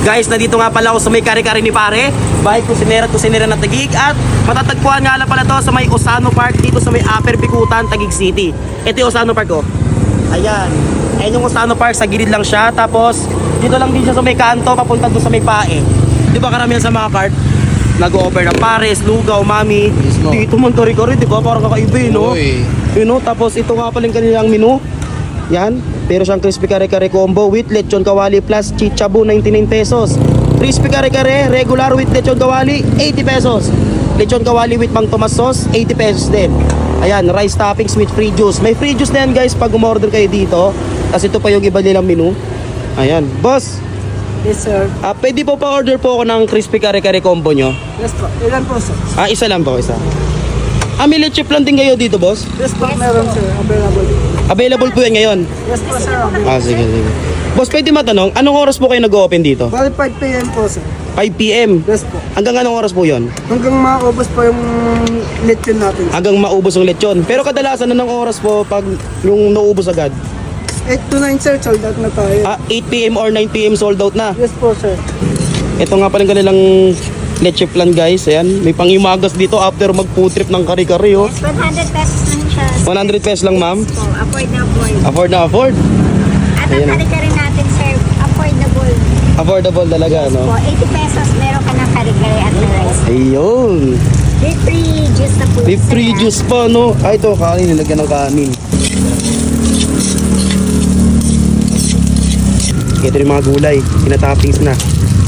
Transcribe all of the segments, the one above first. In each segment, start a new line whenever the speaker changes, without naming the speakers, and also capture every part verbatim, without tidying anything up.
Guys, nandito nga pala ako sa may kare-kare ni pare. Bahay kusinera at kusinera na Taguig. At matatagpuan nga lang pala to sa may Osano Park dito sa may Upper Bicutan, Taguig City. Ito yung Osano Park ko. Ayan. Ayan yung Osano Park, sa gilid lang siya. Tapos dito lang din siya sa may kanto, papunta doon sa may Pae. Di ba karamihan sa mga cart nag-over ng Pares, Lugaw, Mami.
Mismo.
Dito man kare-kare, di ba? Parang kakaiba eh, no?
Uy.
You know, tapos ito nga pala yung kanilang menu. Yan, pero siyang crispy kare-kare combo with lechon kawali plus chichabu, ninety-nine pesos. Crispy kare-kare regular with lechon kawali, eighty pesos. Lechon kawali with Mang Tomas sauce, eighty pesos din. Ayan, rice toppings with free juice. May free juice na yan guys pag umorder kayo dito. Kasi ito pa yung iba nilang menu. Ayan, boss.
Yes, sir.
Ah, pwede po pa order po ako ng crispy kare-kare combo nyo.
Yes po. Ilan po, sir?
Ah, isa lang po, isa. Ah, may leche plan din kayo dito, boss?
Yes po, meron, sir. Available.
Available po yan ngayon.
Yes po, sir. Available.
Ah, sige, sige. Boss, pwede matanong, anong oras po kayo nag-open dito?
Bali five p m po, sir.
five p m
Yes po.
Hanggang anong oras po yon?
Hanggang maubos po yung lechon natin.
Hanggang maubos ang lechon. Pero kadalasan anong oras po pag yung naubos agad?
eight to nine, sir. Sold out na tayo.
Ah, eight p m or nine p m sold out na.
Yes po, sir.
Ito nga pala yung kanilang leche plan guys. Ayan, may pangimagas dito after mag-food trip ng kari-kari oh.
one hundred pesos lang siya.
one hundred pesos lang ma'am.
Po, afford na afford.
Afford na afford.
At ang kare-kare natin, sir, affordable.
Affordable talaga
Po,
no.
eighty pesos, meron ka ng kare-kare at the rice.
Ayun.
With free juice na po.
May
sir,
free
ah.
juice pa no. Ay ito, kanin, nilagyan ng kanin. Ito yung mga gulay, pinatoppings na.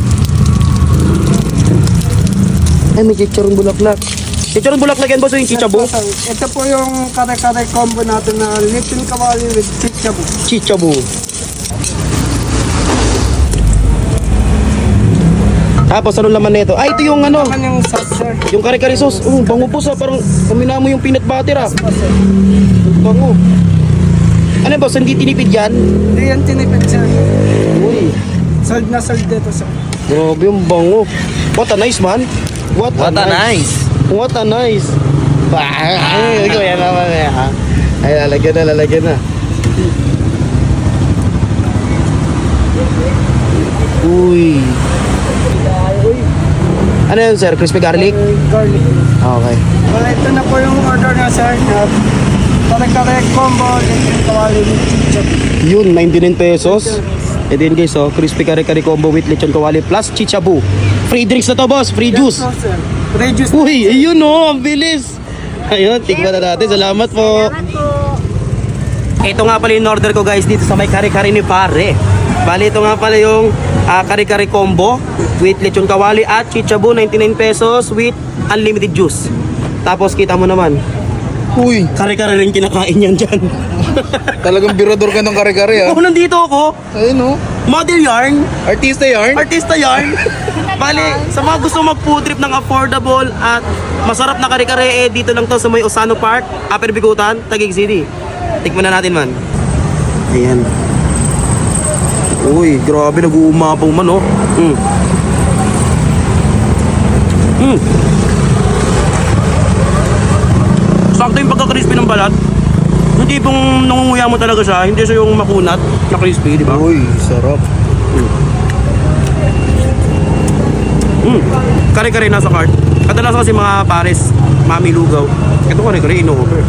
Ay, may chicharong bulaklak. Chicharong bulaklak yan boss, yung chichabu?
Yes po, sir. Ito po yung kare-kare combo natin na lechon kawali with chichabu.
Chichabu. Tapos ano laman nito? Ah, ito yung ano,
Naman yung sauce, sir.
yung kare-kare sauce. Oh, bango po sa parang kumina mo yung peanut butter ah.
Po, sir.
Bango. Ano boss, hindi tinipid yan?
Hindi yan tinipid, sir.
Uy,
Sold na sold dito, sir.
grabe yung bango. What a nice man. What,
What a nice.
What a nice. Ay, ikaw yan naman eh ha. Ay, lalagyan na, lalagyan na. Uy. Ano yun sir? Crispy garlic?
Uh, garlic.
Okay.
Well, ito na po yung order na, sir. Na kare-kare combo lechon kawali with chichabu.
Yun, ninety-nine pesos. Ito yun guys, oh, crispy kare-kare combo with lechon kawali plus chichabu. Free drinks na to boss, free juice.
Yes po, sir. Free juice.
Uy, ayun oh, ang bilis. Ayun, tikman na natin. Salamat po.
Salamat po.
Ito nga pala yung order ko guys dito sa may kare-kare ni pare. Bali ito nga pala yung uh, kare-kare combo with lechon kawali at chichabu, ninety-nine pesos with unlimited juice. Tapos kita mo naman,
Uy.
kare-kare rin kinakain yan dyan.
Talagang birador ka ng kare-kare ah.
Oh, nandito ako.
Ayun oh.
Model yarn.
Artista yarn.
Artista yarn. Bali, sa mga gusto mag-food trip ng affordable at masarap na kare-kare, eh, dito lang to sa may Osano Park, Upper Bicutan, Taguig City. Tikman na natin man. Ayan. Uy, grabe, nag-uumapaw man oh. Mm. Mm. Sakto yung pagka-crispy ng balat. Hindi pong nangunguya mo talaga siya, hindi siya yung makunat na crispy, di ba?
Uy, sarap.
Mm. Kare-kare nasa cart. Kadalasan kasi mga pares, Mami, Lugaw. Ito kare-kare, ino-offer.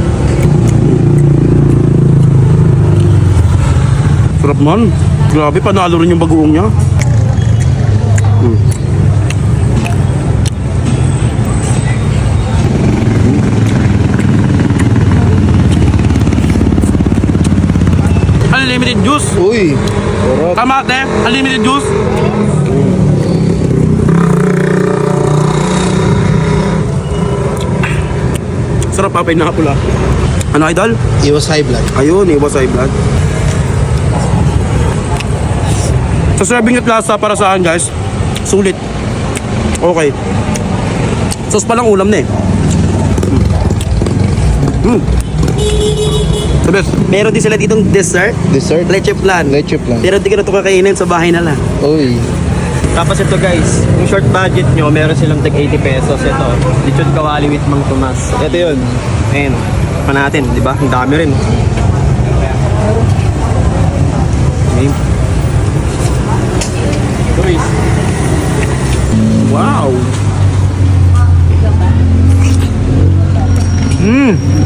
Sarap man. Grabe, panalo rin yung bagoong niya. Mm. Unlimited juice.
Uy. Sarap.
Tama ate, unlimited juice. Sarap pa, pinakapula. Ano idol?
Iwas high blood.
Ayun, iwas high blood. Sa serving at lasa para sa akin guys, sulit. Okay. Sauce pa lang ulam na eh. Mm. The best. Meron din sila ditong dessert.
Dessert.
Leche flan.
Leche flan.
Pero di ka na ito kakainin sa bahay na lang.
Uy.
Tapos ito guys, yung short budget nyo, meron silang tag eighty pesos. Ito, lechon kawali with Mang Tomas. Ito yun. Ayun, pa natin, di ba? Ang dami rin. Okay. Guys, Mm.